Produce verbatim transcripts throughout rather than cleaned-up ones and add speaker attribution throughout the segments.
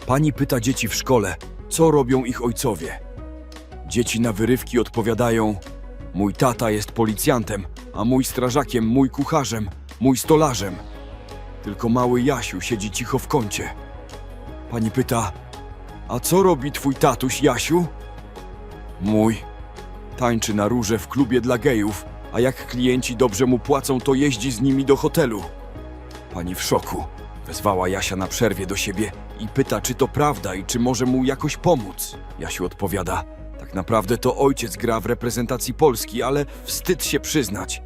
Speaker 1: Pani pyta dzieci w szkole, co robią ich ojcowie. Dzieci na wyrywki odpowiadają: mój tata jest policjantem, a mój strażakiem, mój kucharzem, mój stolarzem. Tylko mały Jasiu siedzi cicho w kącie. Pani pyta: a co robi twój tatuś, Jasiu? Mój. Tańczy na róże w klubie dla gejów, a jak klienci dobrze mu płacą, to jeździ z nimi do hotelu. Pani w szoku. Wezwała Jasia na przerwie do siebie i pyta, czy to prawda i czy może mu jakoś pomóc. Jasiu odpowiada: tak naprawdę to ojciec gra w reprezentacji Polski, ale wstyd się przyznać.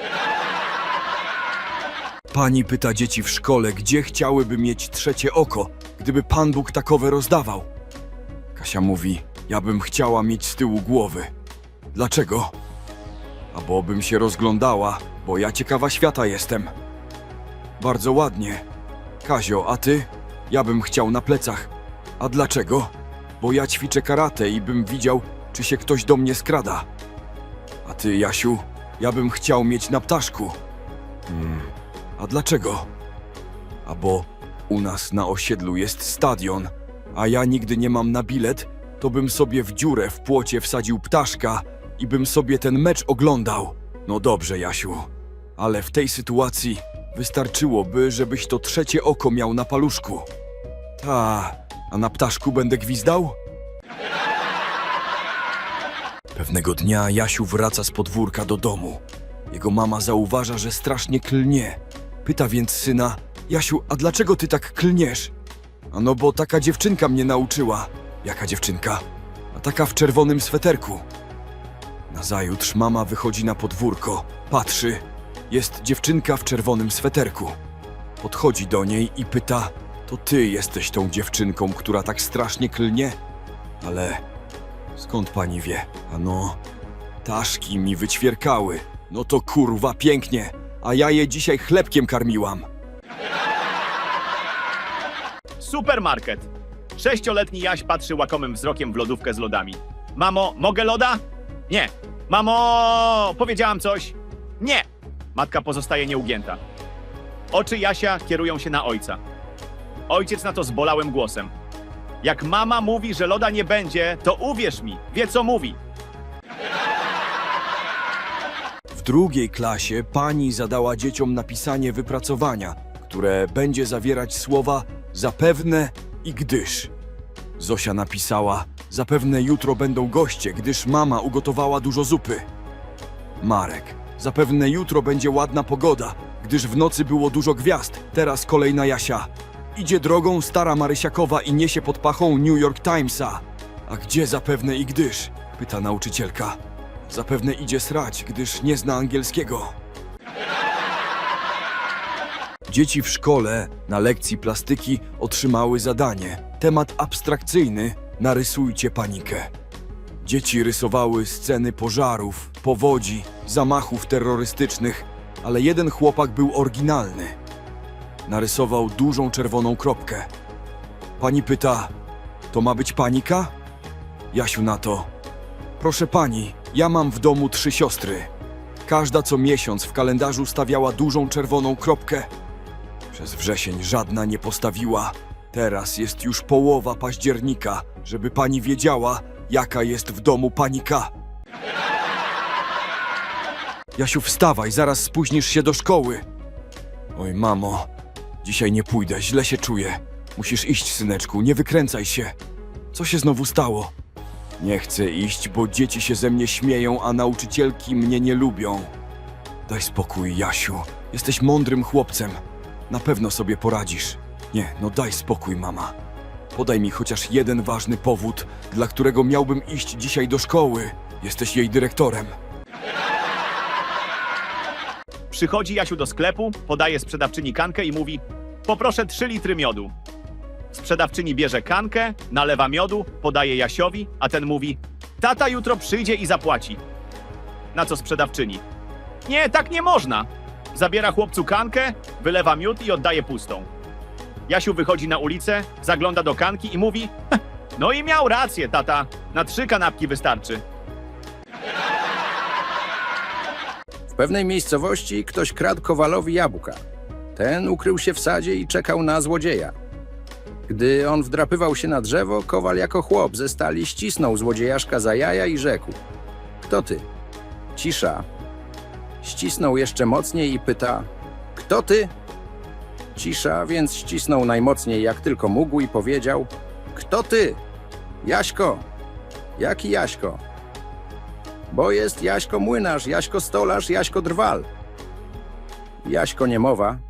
Speaker 1: Pani pyta dzieci w szkole, gdzie chciałyby mieć trzecie oko, gdyby Pan Bóg takowe rozdawał. Kasia mówi: ja bym chciała mieć z tyłu głowy. Dlaczego? A bo bym się rozglądała, bo ja ciekawa świata jestem. Bardzo ładnie. Kazio, a ty? Ja bym chciał na plecach. A dlaczego? Bo ja ćwiczę karate i bym widział, czy się ktoś do mnie skrada. A ty, Jasiu? Ja bym chciał mieć na ptaszku. Hmm. A dlaczego? A bo u nas na osiedlu jest stadion, a ja nigdy nie mam na bilet, to bym sobie w dziurę w płocie wsadził ptaszka i bym sobie ten mecz oglądał. No dobrze, Jasiu, ale w tej sytuacji wystarczyłoby, żebyś to trzecie oko miał na paluszku. Ta, a na ptaszku będę gwizdał? Pewnego dnia Jasiu wraca z podwórka do domu. Jego mama zauważa, że strasznie klnie. Pyta więc syna: Jasiu, a dlaczego ty tak klniesz? A no bo taka dziewczynka mnie nauczyła. Jaka dziewczynka? A taka w czerwonym sweterku. Nazajutrz mama wychodzi na podwórko, patrzy. Jest dziewczynka w czerwonym sweterku. Podchodzi do niej i pyta: to ty jesteś tą dziewczynką, która tak strasznie klnie? Ale skąd pani wie? Ano, taszki mi wyćwierkały. No to kurwa pięknie, a ja je dzisiaj chlebkiem karmiłam.
Speaker 2: Supermarket. Sześcioletni Jaś patrzy łakomym wzrokiem w lodówkę z lodami. Mamo, mogę loda? Nie. Mamo, powiedziałam coś? Nie. Matka pozostaje nieugięta. Oczy Jasia kierują się na ojca. Ojciec na to zbolałym głosem: jak mama mówi, że loda nie będzie, to uwierz mi, wie co mówi.
Speaker 1: W drugiej klasie pani zadała dzieciom napisanie wypracowania, które będzie zawierać słowa zapewne i gdyż. Zosia napisała: zapewne jutro będą goście, gdyż mama ugotowała dużo zupy. Marek: zapewne jutro będzie ładna pogoda, gdyż w nocy było dużo gwiazd. Teraz kolej na Jasia. Idzie drogą stara Marysiakowa i niesie pod pachą New York Timesa. A gdzie zapewne i gdyż? Pyta nauczycielka. Zapewne idzie srać, gdyż nie zna angielskiego. Dzieci w szkole na lekcji plastyki otrzymały zadanie. Temat abstrakcyjny: narysujcie panikę. Dzieci rysowały sceny pożarów, powodzi, zamachów terrorystycznych, ale jeden chłopak był oryginalny. Narysował dużą czerwoną kropkę. Pani pyta: to ma być panika? Jasiu na to: proszę pani, ja mam w domu trzy siostry. Każda co miesiąc w kalendarzu stawiała dużą czerwoną kropkę. Przez wrzesień żadna nie postawiła. Teraz jest już połowa października, żeby pani wiedziała, jaka jest w domu panika. Jasiu, wstawaj, zaraz spóźnisz się do szkoły. Oj, mamo, dzisiaj nie pójdę, źle się czuję. Musisz iść, syneczku, nie wykręcaj się. Co się znowu stało? Nie chcę iść, bo dzieci się ze mnie śmieją, a nauczycielki mnie nie lubią. Daj spokój, Jasiu. Jesteś mądrym chłopcem. Na pewno sobie poradzisz. Nie, no daj spokój, mama. Podaj mi chociaż jeden ważny powód, dla którego miałbym iść dzisiaj do szkoły. Jesteś jej dyrektorem.
Speaker 2: Przychodzi Jasiu do sklepu, podaje sprzedawczyni kankę i mówi: poproszę trzy litry miodu. Sprzedawczyni bierze kankę, nalewa miodu, podaje Jasiowi, a ten mówi: tata jutro przyjdzie i zapłaci. Na co sprzedawczyni: nie, tak nie można. Zabiera chłopcu kankę, wylewa miód i oddaje pustą. Jasiu wychodzi na ulicę, zagląda do kanki i mówi: no i miał rację, tata, na trzy kanapki wystarczy.
Speaker 3: W pewnej miejscowości ktoś kradł Kowalowi jabłka. Ten ukrył się w sadzie i czekał na złodzieja. Gdy on wdrapywał się na drzewo, Kowal jako chłop ze stali ścisnął złodziejaszka za jaja i rzekł: Kto ty? Cisza. Ścisnął jeszcze mocniej i pyta: Kto ty? Cisza, więc ścisnął najmocniej jak tylko mógł i powiedział: Kto ty? Jaśko. Jaki Jaśko? Bo jest Jaśko młynarz, Jaśko stolarz, Jaśko drwal. Jaśko niemowa